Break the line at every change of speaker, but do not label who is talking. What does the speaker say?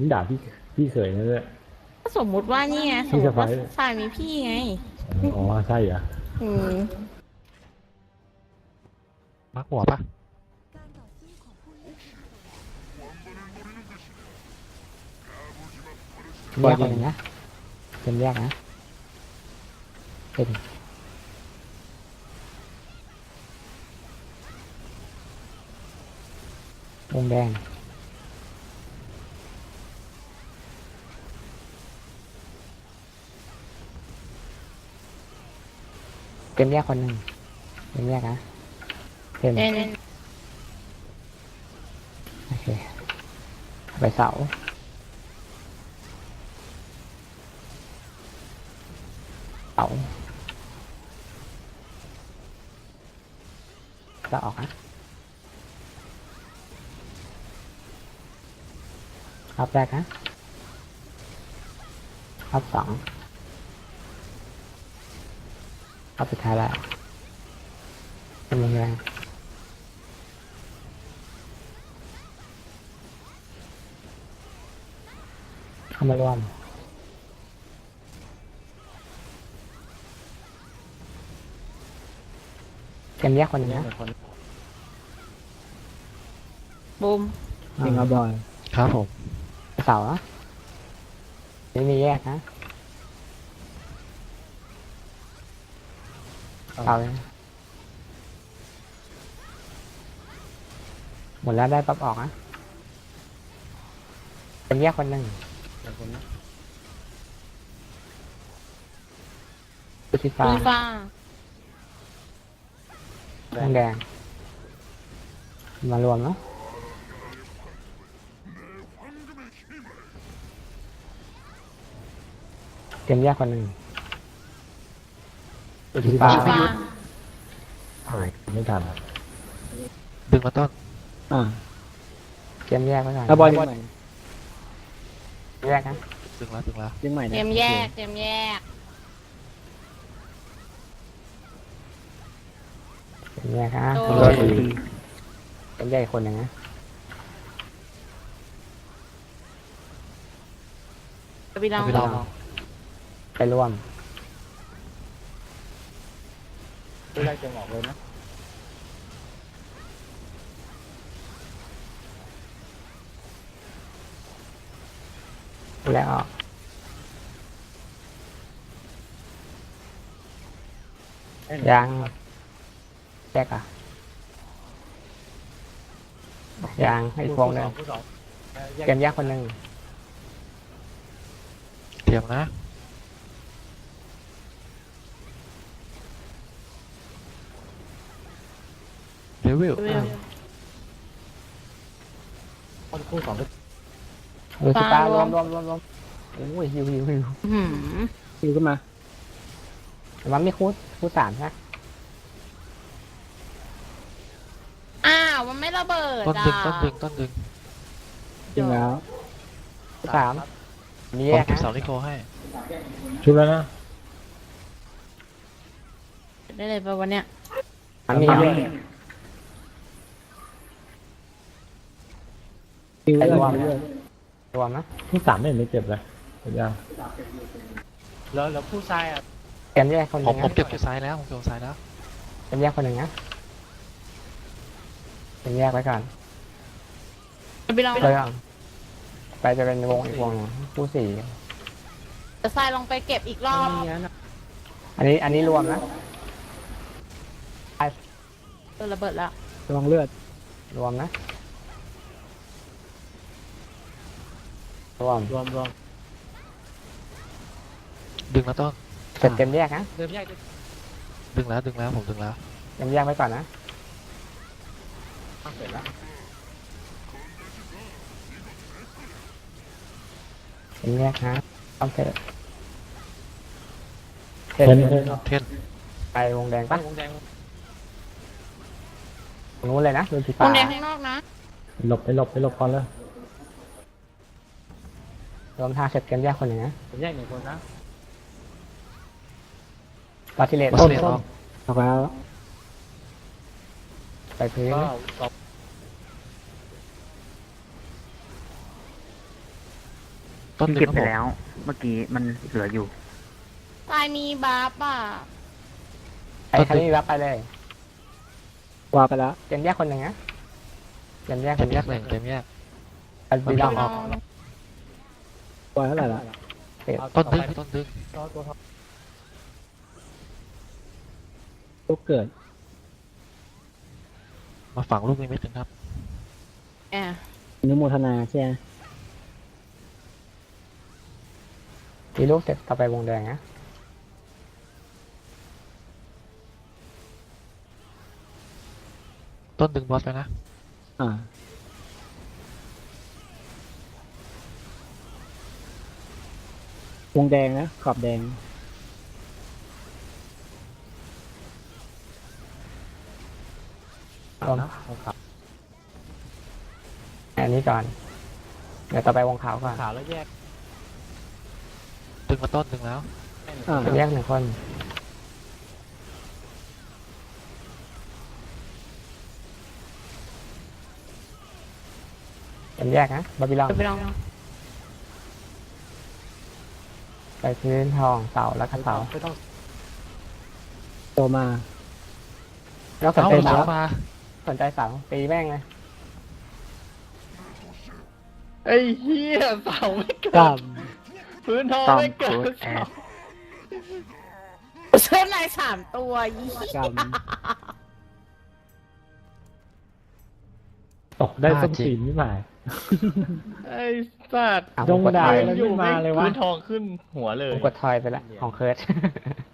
นี่ด่าพี่เขยนั่นแหละ
ก็สมมุติว่านี่ไงสมมติว่าฝ่ายมีพี่ไง
อ๋อใช่เหรอ
อืม
มักหัวปะ
แยกเลยนะเป็นแยกนะเป็นวงแดงเป็นแยกคนหนึ่งเป็นแยกนะเป็น
เป็น
โอเคไปเสาเสาจะออกนะครับแรกนะครับสองครับสุดท้ายแล้วเป็นวงแดงเข้ามารวมเกมแยกคนหนึงนะ
บูม
จริงครับบอย
ครับผม
เสาอะไม่มีแยกนะเสาเลยหมดแล้วได้ปั๊บออกนะเป็นแยกคนหนึ่งสุดที่ฟ้า
มีฟ้า
วงแดงมารวมเนาะเตรียมแยกคนหนึ่งสุดที่ฟ้า
มีฟ้า
โอ้ยไม่ทัน
ดึงมาต้น
เตรียมแยกไว้ก่อน
แล้วบอยดึงใหม่
แยกนะ
ดึงแล้วดึงแล้ว
ดึงใหม่
เต
นะ
รียมแยกเตรียมแยก
เตรียมแยกนะ
โด
ก็
น
คือ
เตรียมแยกอีกคนหนึ่งนะ
ไปลอง
ไปลอง
ไปร่วม
ไม่ได้เจงออกเลยนะ
แล้วออกยังแยกอ่ะยังให้อีกวงหนึ่ง
ผู้สอง
เตรียมแยกคนหนึ่ง
เตรียมนะเดวิล
เวล
คู่สองก็
ดูสิตารวมโอ้ยฮิว
หืม
คิวขึ้นมา
แต่มันไม่คูดสามใช่ไหม
อ้าวมันไม่ระเบิด
ต้น
อ่ะ
ดึงต้นดึงต้นดึง
จริงแล้ว
คูดสามมี
ผ
แย
ม
ก
เก็บ
นะ
เสาลิโกให้
ชุบแล้วนะ
ได้เลยปะวันเนี้ย
มันมี
คิว
ไป
เรื่
รวม
อย
รวมนะ
ที่สามไม่เห็นไม่เจ็บเลยเห็นยัง
แล้วผู้ชายอ่ะ
เตรียมแยกคนห
ผ
นึ่
ม
ง
ผม
นะ
เก็บซ้ายแล้วผมเก็บซ้ายแล้ว
เตรียมแยกคนหนึ่งนะเตรียมแยกไว้ก่อน
ไปลอง
เรื่องไปจะเป็นวงอีกวงหนึ่งคู่สี่
จะทรายลงไปเก็บอีกรอบ
มีนะ
อันนี้รวมนะ
ระเบิดแล้ว
ระวังเลือด
รวมนะรวม
รวม
ดึงมาต้น
เสร็จเต็มแยกนะ
เดิมแยก
ดึงแล้วดึงแล้วผมดึงแล้ว
เต็มแยกไว้ก่อนนะ
เสร็จแล้ว
เต็มแยกนะต้องเสร็จ
เห็น
เทน
ไปวงแดงปะ
วงแดง
นู้นเลยนะดูสี
ว
ฟ้าง
แดงข้างนอกนะ
ไปหลบก่อนเลย
รวมทางเสร็จเต็มแยกคนหนึ่งนะ
ผมแยกหนึ่งคนนะ
ตอทิเลต
วัสเลนออก
เอาไปแล้ว
ไปพื้น
ก็
นะ
สอง
ต้น
พี่
ดึ
เก็
ง
บ
ครับผม
ไปแล้ว เมื่อกี้มันเหลืออยู่
ทรายมีบัฟอ่ะ
ใครใครไม่มีรับไปเลย
วางไปแล้ว
เจมแยกคนหนึ่งนะเจมแยก
เต็
คน
ม
แย
แย
ก
กหนึ่งเต็มแยก
อันบีลองออก
วางเท่าไหร่ละ
ต้นดึงต้นดึง
ลูกเกิด
มาฝังลูกนิมิตกันครับ
แอะ
อนุโมทนาใช่ไหม
ตีลูกเสร็จต่อไปวงแดงนะ
ต้นดึงบอสไปนะ
อ่า วงแดงนะ ขอบแดง
ลงอันนี้ก่อน เดี๋ยวต่อไปวงขาวก่อน
ขาวแล้วแยก
ดึงมาต้นดึงแล้ว
อ่า
แยกหนึ่งคนเป็นแยกนะบาบิลอน
ไปลอง
ไปพื้นทองเสาแล้วก็เสา
โตมา
แล้วสน
เอ้า
ใจ
เสา
เสา
มา
สนใจเสาตีแม่งเลย
ไอ้เหี้ยเสาไม่เกิ
กล้า
ดพื้นทอง
ต้อง
ไม่เกิ
โค้
ด
ดแอด
เส้นลาย3 ตัวยี่
กล้าม
ตกได้ส้นตีนนี่หมาย
ไอ้สัตว์
อ่ะ
จ
ผม
ง
กด
ด่า
ทอย
แล้วไม่มาเลยวะ
พื้นทองขึ้นหัวเลย
ผมกดทอยไปแล้วของเคิร์ด